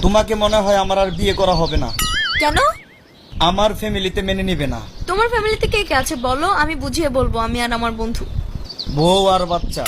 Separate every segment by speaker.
Speaker 1: তোমাকে মনে হয় আমার আর বিয়ে করা হবে না।
Speaker 2: কেন?
Speaker 1: আমার ফ্যামিলিতে মেনে নিবে না।
Speaker 2: তোমার ফ্যামিলিতে কে কে আছে বলো, আমি বুঝিয়ে বলবো, আমি আর আমার বন্ধু।
Speaker 1: বউ আর বাচ্চা।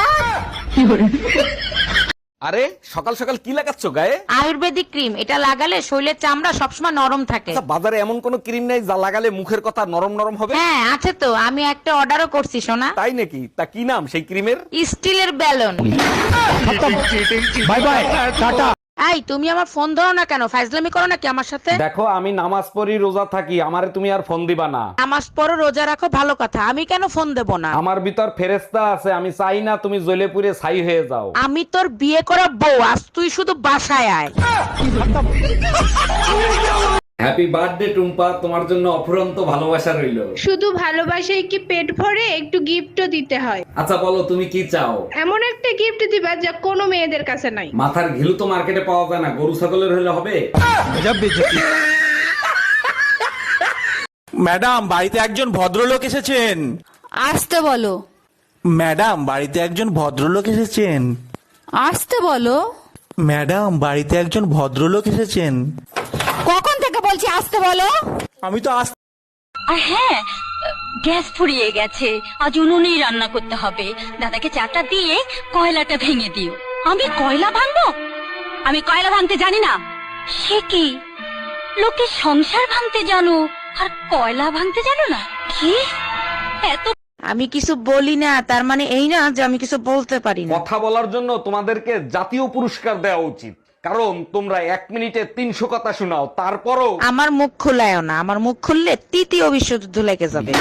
Speaker 3: আরে সকাল সকাল কি লাগাচ্ছ গায়ে?
Speaker 4: আয়ুর্বেদিক ক্রিম, এটা লাগালে শরীরের চামড়া সবসময় নরম থাকে।
Speaker 3: আচ্ছা, বাজারে এমন কোন ক্রিম নেই যা লাগালে মুখের কথা নরম নরম হবে?
Speaker 4: হ্যাঁ আছে তো, আমি একটা অর্ডারও করছি সোনা।
Speaker 3: তাই নাকি? তা কি নাম সেই ক্রিমের?
Speaker 4: স্টিলের ব্যালন।
Speaker 3: Bye bye, tata.
Speaker 4: এই তুমি আমার ফোন ধরো না কেন? ফাইজলামি করো নাকি আমার সাথে?
Speaker 3: দেখো আমি নামাজ পড়ি, রোজা থাকি, আমারে তুমি আর ফোন দিবা না।
Speaker 4: নামাজ পড়ো, রোজা রাখো, ভালো কথা, আমি কেন ফোন দেব না?
Speaker 3: আমার ভিতর ফেরেশতা আছে, আমি চাই না তুমি জ্বলে পুড়ে ছাই হয়ে যাও।
Speaker 4: আমি তোর বিয়ে করা বউ, আজ তুই শুধু বাসায় আয়।
Speaker 3: হ্যাপি বার্থডে টুম্পা, তোমার জন্য অফুরন্ত ভালোবাসা রইলো।
Speaker 5: শুধু ভালোবাসায় কি পেট ভরে, একটু গিফটও দিতে হয়।
Speaker 3: আচ্ছা বলো তুমি কি চাও?
Speaker 5: এমন একটা গিফট দিবা যা কোনো মেয়েদের কাছে নাই।
Speaker 3: মাথার ঘিলু তো মার্কেটে পাওয়া যায় না, গরু ছাগলের হলে হবে?
Speaker 6: ম্যাডাম, বাড়িতে একজন ভদ্রলোক এসেছেন।
Speaker 7: আসতে বলো।
Speaker 6: ম্যাডাম, বাড়িতে একজন ভদ্রলোক এসেছেন।
Speaker 7: আসতে বলো।
Speaker 6: ম্যাডাম, বাড়িতে একজন ভদ্রলোক এসেছেন।
Speaker 7: কখন থেকে বলছি আসতে বলো?
Speaker 6: আমি তো আস
Speaker 8: আর হ্যাঁ, গ্যাস ফুরিয়ে গেছে, আজ উনুনেই রান্না করতে হবে। দাদাকে চাটা দিয়ে কয়লাটা ভেঙে দিও। আমি কয়লা ভাঙবো? আমি কয়লা ভাঙতে জানি না। সে কি, লোকে সংসার ভাঙতে জানো আর কয়লা ভাঙতে জানো না? কি এত
Speaker 4: আমি কিছু বলি না তার মানে এই না যে আমি কিছু বলতে পারি না।
Speaker 3: কথা বলার জন্য তোমাদেরকে জাতীয় পুরস্কার দেওয়া উচিত, কারণ তোমরা 1 মিনিটে 300 কথা শোনাও, তারপরও
Speaker 4: আমার মুখ খুলায় না, আমার মুখ খুললে তৃতীয় বিশ্বযুদ্ধ লেগে যাবে।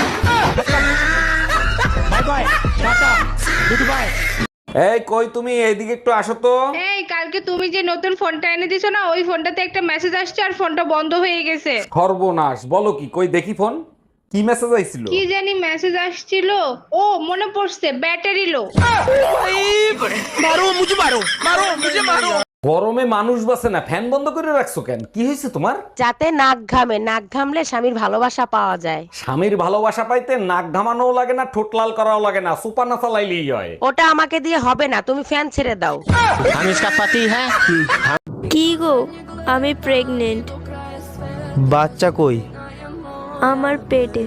Speaker 3: এই কই তুমি, এইদিকে একটু আসো তো।
Speaker 5: এই কালকে তুমি যে নতুন ফোনটা এনে দিছো না, ওই ফোনটাতে একটা মেসেজ আসছে আর ফোনটা বন্ধ হয়ে গেছে।
Speaker 3: সর্বনাশ, বলো কি? কই দেখি ফোন। কি মেসেজ আইছিল?
Speaker 5: কি জানি মেসেজ আসছিল। ও মনে পড়ছে, ব্যাটারি লো।
Speaker 3: গরমে মানুষ বাসে না, ফ্যান বন্ধ করে রাখছো কেন? কি হয়েছে তোমার?
Speaker 4: যাতে নাক ঘামে, নাক ঘামলে স্বামীর ভালোবাসা পাওয়া যায়।
Speaker 3: স্বামীর ভালোবাসা পাইতে নাক ঘামানোও লাগে না, ঠোঁট লাল করাও লাগে না, সুপার না চালাইলেই হয়।
Speaker 4: ওটা আমাকে দিয়ে হবে না, তুমি ফ্যান ছেড়ে দাও।
Speaker 9: কি গো, আমি প্রেগনেন্ট।
Speaker 10: বাচ্চা কই?
Speaker 9: আমার পেটে।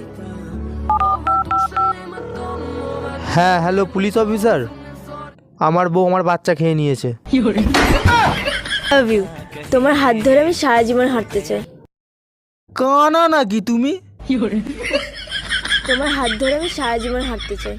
Speaker 10: হ্যাঁ হ্যালো পুলিশ অফিসার, আমার বউ আমার বাচ্চা খেয়ে নিয়েছে।
Speaker 9: Love you. তোমার হাত ধরে আমি সারা জীবন হাঁটতে চাই।
Speaker 10: কানা নাকি তুমি?
Speaker 9: তোমার হাত ধরে আমি সারা জীবন হাঁটতে চাই।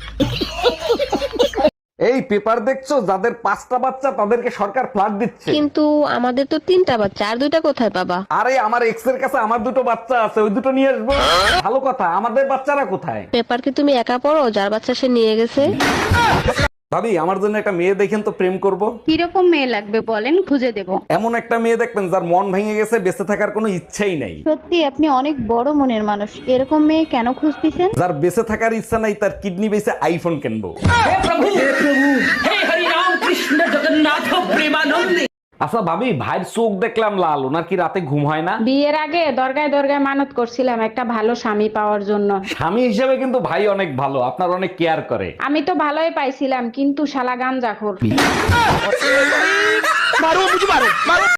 Speaker 3: এই পেপার দেখছো, যাদের 5টা বাচ্চা তাদেরকে সরকার ফ্ল্যাট দিচ্ছে।
Speaker 9: কিন্তু আমাদের তো 3টা বাচ্চা, আর 2টা কোথায় পাবা?
Speaker 3: আরে আমার এক্স এর কাছে আমার 2টো বাচ্চা আছে, ওই 2টো নিয়ে আসবো। ভালো কথা, আমাদের বাচ্চারা কোথায়?
Speaker 9: পেপার কি তুমি একা পড়ো? যার বাচ্চা সে নিয়ে গেছে।
Speaker 3: ভাবি, আমার জন্য একটা মেয়ে দেখেন তো, প্রেম করব।
Speaker 5: কিরকম মেয়ে লাগবে বলেন, খুঁজে দেব।
Speaker 3: এমন একটা মেয়ে দেখবেন যার মন ভেঙে গেছে, বেঁচে থাকার কোনো ইচ্ছাই নাই।
Speaker 5: সত্যি আপনি অনেক বড় মনের মানুষ। এরকম মেয়ে কেন খুঁজতেছেন?
Speaker 3: যার বেঁচে থাকার ইচ্ছা নাই, তার কিডনি বেঁচে আইফোন কিনবো। আচ্ছা ভাবি, ভাইয়ের চোখ দেখলাম লাল, ওনার কি রাতে ঘুম হয় না?
Speaker 5: বিয়ের আগে দরগায় দরগায় মানত করছিলাম একটা ভালো স্বামী পাওয়ার জন্য।
Speaker 3: স্বামী হিসেবে কিন্তু ভাই অনেক ভালো, আপনার অনেক কেয়ার করে।
Speaker 5: আমি তো ভালোই পাইছিলাম, কিন্তু শালা গাঞ্জাখোর।